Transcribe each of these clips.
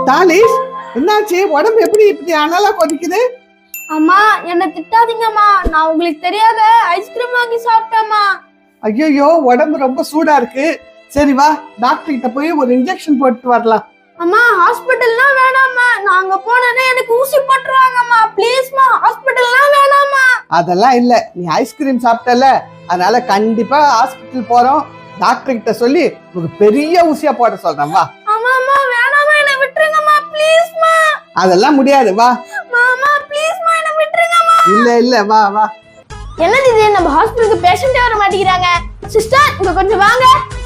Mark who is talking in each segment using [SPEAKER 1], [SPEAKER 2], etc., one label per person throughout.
[SPEAKER 1] தாலிஷ், என்னாச்சு? உடம்பு எப்படி இப்படி அனலா கொதிக்குது?
[SPEAKER 2] அம்மா என்ன திட்டாதீங்கம்மா, நான் உங்களுக்கு தெரியாத ஐஸ்கிரீம் வாங்கி சாப்பிட்டேம்மா.
[SPEAKER 1] ஐயோ, உடம்பு ரொம்ப சூடா இருக்கு. சரி வா, டாக்டர் கிட்ட போய் ஒரு இன்ஜெக்ஷன் போட்டு வரலாம்.
[SPEAKER 2] அம்மா ஹாஸ்பிட்டல்லாம் வேணாம்மா, நாங்க போனேன்னா எனக்கு ஊசி போட்டுருவாங்கம்மா. ப்ளீஸ்மா, ஹாஸ்பிட்டல்லாம் வேணாம்மா.
[SPEAKER 1] அதெல்லாம் இல்ல, நீ ஐஸ்கிரீம் சாப்பிட்டல, அதனால கண்டிப்பா ஹாஸ்பிட்டல் போறோம். டாக்டர் கிட்ட சொல்லி ஒரு பெரிய ஊசியா போட சொல்றேன். வா.
[SPEAKER 2] அம்மா வேணாம்மா, என்ன விட்டுருங்கம்மா ப்ளீஸ்மா.
[SPEAKER 1] அதெல்லாம் முடியாது, வா.
[SPEAKER 2] மாமா ப்ளீஸ்மா, என்ன விட்டுருங்கம்மா.
[SPEAKER 1] இல்ல வா வா.
[SPEAKER 2] என்னது இது, நம்ம ஹாஸ்பிட்டலுக்கு பேஷண்டே வர மாட்டேங்கிறாங்க. சிஸ்டர் இங்க கொஞ்சம் வாங்க.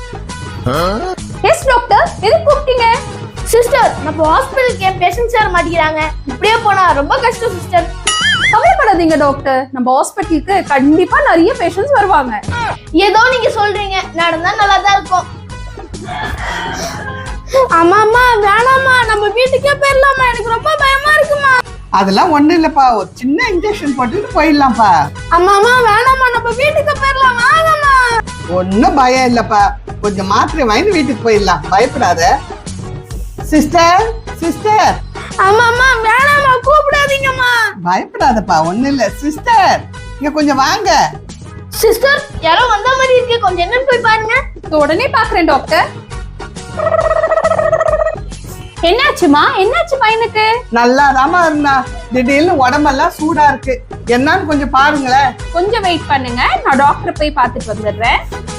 [SPEAKER 2] எஸ் டாக்டர், எதுக்கு கூப்பிட்டீங்க? சிஸ்டர், நம்ம ஹாஸ்பிட்டலுக்கு ஏன் பேஷண்ட்ஸ் வர மாட்டேங்கிறாங்க? இப்படியே போனா ரொம்ப கஷ்டம் சிஸ்டர்.
[SPEAKER 3] கவலைப்படாதீங்க டாக்டர், நம்ம ஹாஸ்பிட்டலுக்கு கண்டிப்பா நிறைய பேஷண்ட்ஸ் வருவாங்க.
[SPEAKER 2] ஏதோ நீங்க சொல்றீங்க, நடந்தா நல்லா தான் இருக்கும். அம்மா வேணாம்மா, நம்ம வீட்டுக்கே போயிடலாமா, எனக்கு ரொம்ப பயமா இருக்குமா.
[SPEAKER 1] அதெல்லாம் ஒண்ணு இல்லப்பா, ஒரு சின்ன இன்ஜெக்ஷன் போட்டுட்டு போயிடலாம்ப்பா.
[SPEAKER 2] அம்மா வேணாம்மா, நம்ம வீட்டுக்கு போயிடலாம், வாங்கம்மா.
[SPEAKER 1] ஒன்னும் பயம் இல்லப்பா, கொஞ்சம் மாத்திரை வாங்கி வீட்டுக்கு போயிடலாம், பயப்படாத. Sister sister.
[SPEAKER 2] அம்மா வேணாம்மா, கூப்பிடாதீங்கம்மா.
[SPEAKER 1] பயப்படாதப்பா, ஒண்ணு இல்ல. சிஸ்டர் இங்க கொஞ்சம் வாங்க.
[SPEAKER 2] சிஸ்டர், யாரோ வந்த மாதிரி இருக்கு, கொஞ்சம் என்னன்னு போய் பாருங்க.
[SPEAKER 3] உடனே பாக்குறேன் டாக்டர். என்னாச்சுமா, என்னாச்சு பையனுக்கு?
[SPEAKER 1] நல்லாதாம்மா இருந்தா, திடீர்னு உடம்பெல்லாம் சூடா இருக்கு. என்னன்னு கொஞ்சம் பாருங்களேன்.
[SPEAKER 3] கொஞ்சம் வெயிட் பண்ணுங்க, நான் டாக்டர் போய் பார்த்துட்டு வந்துடுறேன்.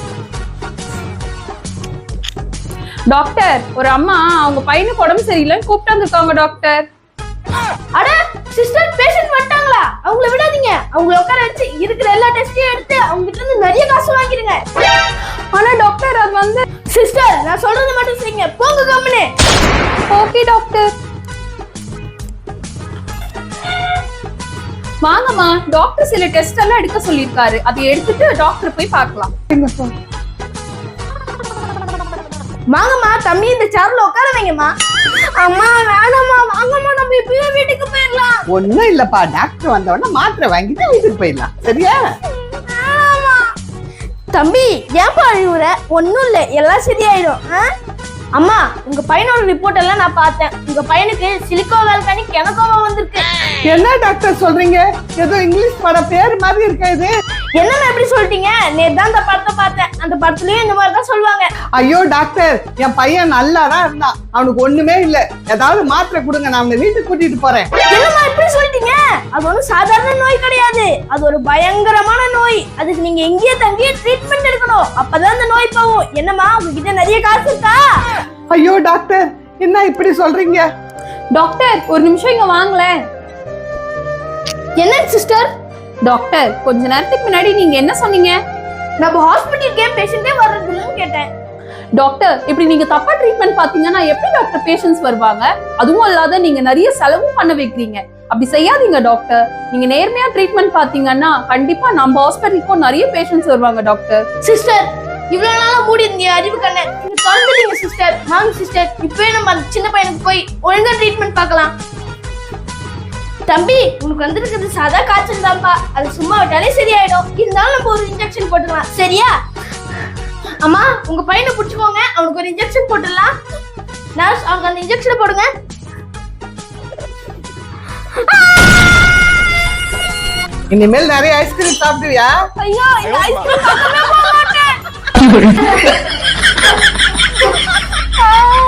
[SPEAKER 3] டாக்டர், ஒரு அம்மா அவங்க பையனுக்கு உடம்பு சரியில்லைன்னு கூப்பிட்டு வந்திருக்காங்க டாக்டர்.
[SPEAKER 2] அட சிஸ்டர், பேஷண்ட் வந்துட்டாங்களா? அவங்கள விடாதீங்க, அவங்கள உட்கார வச்சு இருக்கிற எல்லா டெஸ்டையும் எடுத்து அவங்க கிட்ட இருந்து நிறைய காசு வாங்கிடுங்க.
[SPEAKER 3] ஆனா டாக்டர், அது வந்து
[SPEAKER 2] சிஸ்டர், நான் சொல்றது மட்டும் செய்யுங்க, போங்க கம்முனு.
[SPEAKER 3] Okay doctor. வாங்கம்மா, டாக்டர் சில டெஸ்ட் எல்லாம் எடுக்க சொல்லியிருக்காரு, அதை எடுத்துட்டு டாக்டர் போய் பார்க்கலாம்.
[SPEAKER 2] வாங்கம்மா, தம்பி இந்த சேர்ல உட்கார வைங்கம்மா. அம்மா வேணாம்மா, வாங்கம்மா, நம்ம இப்பவே வீட்டுக்கு போயிடலாம்.
[SPEAKER 1] ஒண்ணும் இல்லப்பா, டாக்டர் வந்த உடனே மாத்திரை வாங்கிட்டு வீட்டுக்கு போயிடலாம், சரியா?
[SPEAKER 2] தம்பி ஏன்பா அழுவுற? ஒன்னும் இல்ல, எல்லாம் சரியாயிடும். அம்மா, உங்க பையனோட ரிப்போர்ட் எல்லாம் நான் பார்த்தேன். உங்க பையனுக்கு சிலிக்கோ வேல்கானி கெனகோவா வந்திருக்கு.
[SPEAKER 1] என்ன டாக்டர் சொல்றீங்க? ஏதோ இங்கிலீஷ் படம் பேர் மாதிரி இருக்கா இது?
[SPEAKER 2] என்னன்னு எப்படி சொல்லிட்டீங்க? நேத்து தான் அந்த படத்தை பார்த்தேன், அந்த படத்துலயும் இந்த மாதிரி தான் சொல்லுவாங்க.
[SPEAKER 1] ஐயோ டாக்டர், என் பையன் நல்லா தான் இருந்தான், அவனுக்கு ஒண்ணுமே இல்ல. ஏதாவது மாத்திரை கொடுங்க, நான் அவனை வீட்டுக்கு கூட்டிட்டு போறேன்.
[SPEAKER 2] என்னம்மா இப்படி சொல்லிட்டீங்க? அது ஒன்றும் சாதாரண நோய் கிடையாது, அது ஒரு பயங்கரமான நோய். அதுக்கு நீங்க எங்கேயே தங்கியே ட்ரீட்மெண்ட் எடுக்கணும், அப்பதான் அந்த நோய் போகும். என்னம்மா, உங்ககிட்ட நிறைய காசு இருக்கா?
[SPEAKER 1] ஐயோ டாக்டர், என்ன இப்படி சொல்றீங்க?
[SPEAKER 3] டாக்டர், ஒரு நிமிஷம் இங்க வாங்களேன்.
[SPEAKER 2] என்ன சிஸ்டர்?
[SPEAKER 3] டாக்டர், கொஞ்ச நேரத்துக்கு முன்னாடி நீங்க என்ன சொன்னீங்க?
[SPEAKER 2] நம்ம ஹாஸ்பிட்டலுக்கே பேஷண்டே வர்றது இல்லைன்னு கேட்டேன்.
[SPEAKER 3] டாக்டர், இப்படி நீங்க தப்பா ட்ரீட்மெண்ட் பாத்தீங்கன்னா எப்படி டாக்டர் பேஷண்ட்ஸ் வருவாங்க? அதுவும் இல்லாத நீங்க நிறைய செலவும் பண்ண வைக்கிறீங்க. அப்படி செய்யாதீங்க டாக்டர். நீங்க நேர்மையா ட்ரீட்மெண்ட் பாத்தீங்கன்னா கண்டிப்பா நம்ம ஹாஸ்பிட்டலுக்கும் நிறைய பேஷண்ட்ஸ் வருவாங்க டாக்டர்.
[SPEAKER 2] சிஸ்டர், இவ்வளவு நாளா மூடி இருந்தீங்க அறிவு கண்ணை, நீங்க திறந்துட்டீங்க சிஸ்டர். வாங்க சிஸ்டர், இப்பவே நம்ம சின்ன பையனுக்கு போய் ஒழுங்கா ட்ரீட்மெண்ட் பார்க்கலாம். தம்பி, உனக்கு வந்திருக்கிறது சாதா காய்ச்சல் தான்ப்பா, அது சும்மா விட்டாலே சரியாயிடும். இருந்தாலும் நம்ம ஒரு இன்ஜெக்ஷன் போட்டுக்கலாம், சரியா? அம்மா, உங்க பையனை புடிச்சுக்கோங்க, அவனுக்கு ஒரு இன்ஜெக்ஷன் போட்டுடலாம். நர்ஸ், அவங்க அந்த இன்ஜெக்ஷனை போடுங்க.
[SPEAKER 1] இனிமேல் நிறைய ஐஸ்கிரீம் சாப்பிடுவியா?
[SPEAKER 2] ஐயோ, இந்த ஐஸ்கிரீம் பக்கமே போக மாட்டேன்.